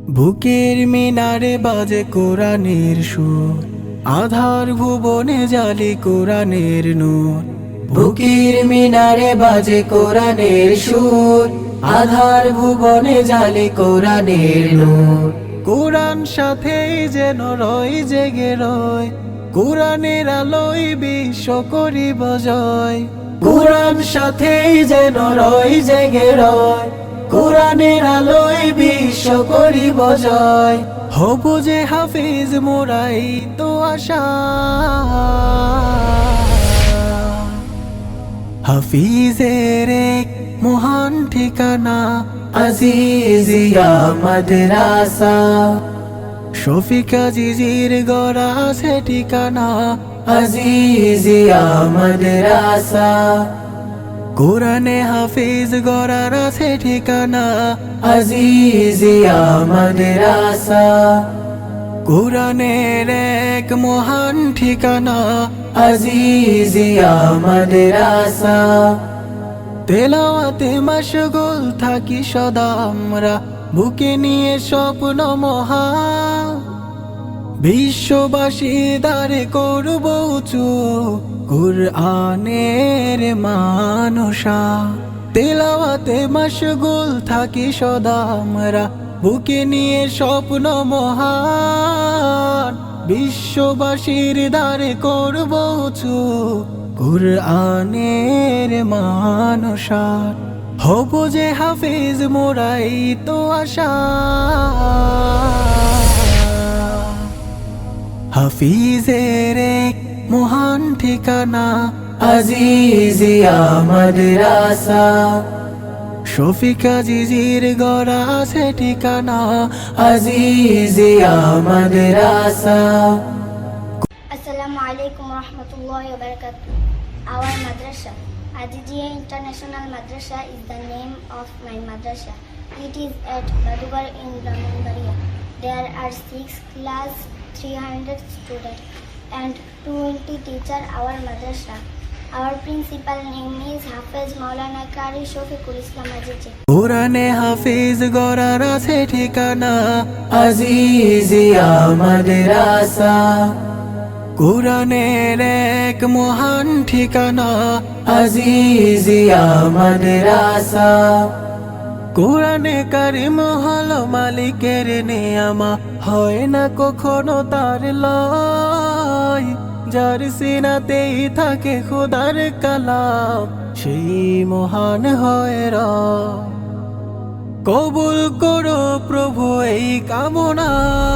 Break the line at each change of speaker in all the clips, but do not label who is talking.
বুকের মিনারে বাজে কোরআনের সুর, আধার ভুবনে জালি কোরআনের নূর। বুকের মিনারে বাজে কোরআনের সুর, আধার ভুবনে জালি কোরআনের নূর। কোরআন সাথেই যেন রয় জেগে রয়, কোরআনের আলোয় বিশ্ব করিব জয়। কোরআন সাথেই যেন রয় জেগে রয়, কোরআনের আলোয় বিশ্ব করিব জয়। হব যে হাফিজ মোরাই তো আশা, হাফিজের এক মহান ঠিকানা আজিজিয়া মাদ্রাসা। শফিক আজিজির গড়া সে ঠিকানা আজিজিয়া মাদ্রাসা। কোরআনে হাফিজ গড়ার আছে ঠিকানা আজিজিয়া মাদ্রাসা। কোরআনের এক মহান ঠিকানা আজিজিয়া মাদ্রাসা। তেলাওয়াতে মশগুল থাকি সদা আমরা, বুকে নিয়ে স্বপ্ন মহা। বিশ্ববাসী দারে করব উঁচু কুরআনের মানসা। তেলাওয়াতে মশগুল থাকি সদা আমরা, বুকে নিয়ে স্বপ্ন মহান। বিশ্ববাসীর দ্বারে করব উঁচু কুরআনের মানসা। হব যে হাফিজ মোরাই তো আশা, হাফিজের এক মহান ঠিকানা আজিজিয়া মাদ্রাসা। শফিক আজিজির গড়া আছে ঠিকানা আজিজিয়া মাদ্রাসা।
Assalamu alaikum warahmatullahi wabarakatuh. Our madrasa, Azizia International Madrasa, is the name of my madrasa. It is at Badugar in Brahmanbaria. There are 6 class, 300 students and 20 teachers. Our madrasa. Our principal name is Hafiz Maulana Qari Shafiqul Islam Azizi.
কোরআনে হাফিজ গড়ার আছে ঠিকানা আজিজিয়া মাদ্রাসা। কোরআনের এক মহান ঠিকানা আজিজিয়া মাদ্রাসা। কোরআনে কারিম হলো মালিকের নেয়ামা, হয় না কখনো তার লয়। যার সিনাতেই থাকে খোদার কালাম, সেই মহান হয় রব। কবুল করো প্রভু এই কামনা,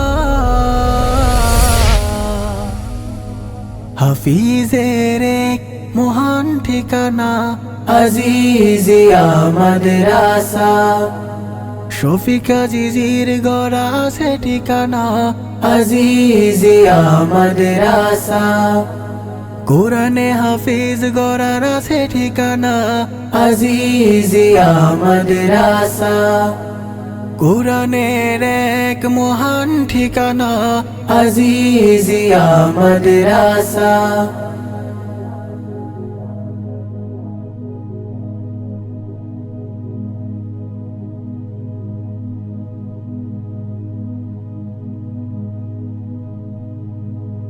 হাফিজের এক মহান ঠিকানা আজিজিয়া মাদ্রাসা। শফিক আজিজির গড়া আছে ঠিকানা আজিজিয়া মাদ্রাসা। কোরআনে হাফিজ গড়ার আছে ঠিকানা আজিজিয়া মাদ্রাসা। কোরআনের এক মহান ঠিকানা আজিজিয়া মাদ্রাসা।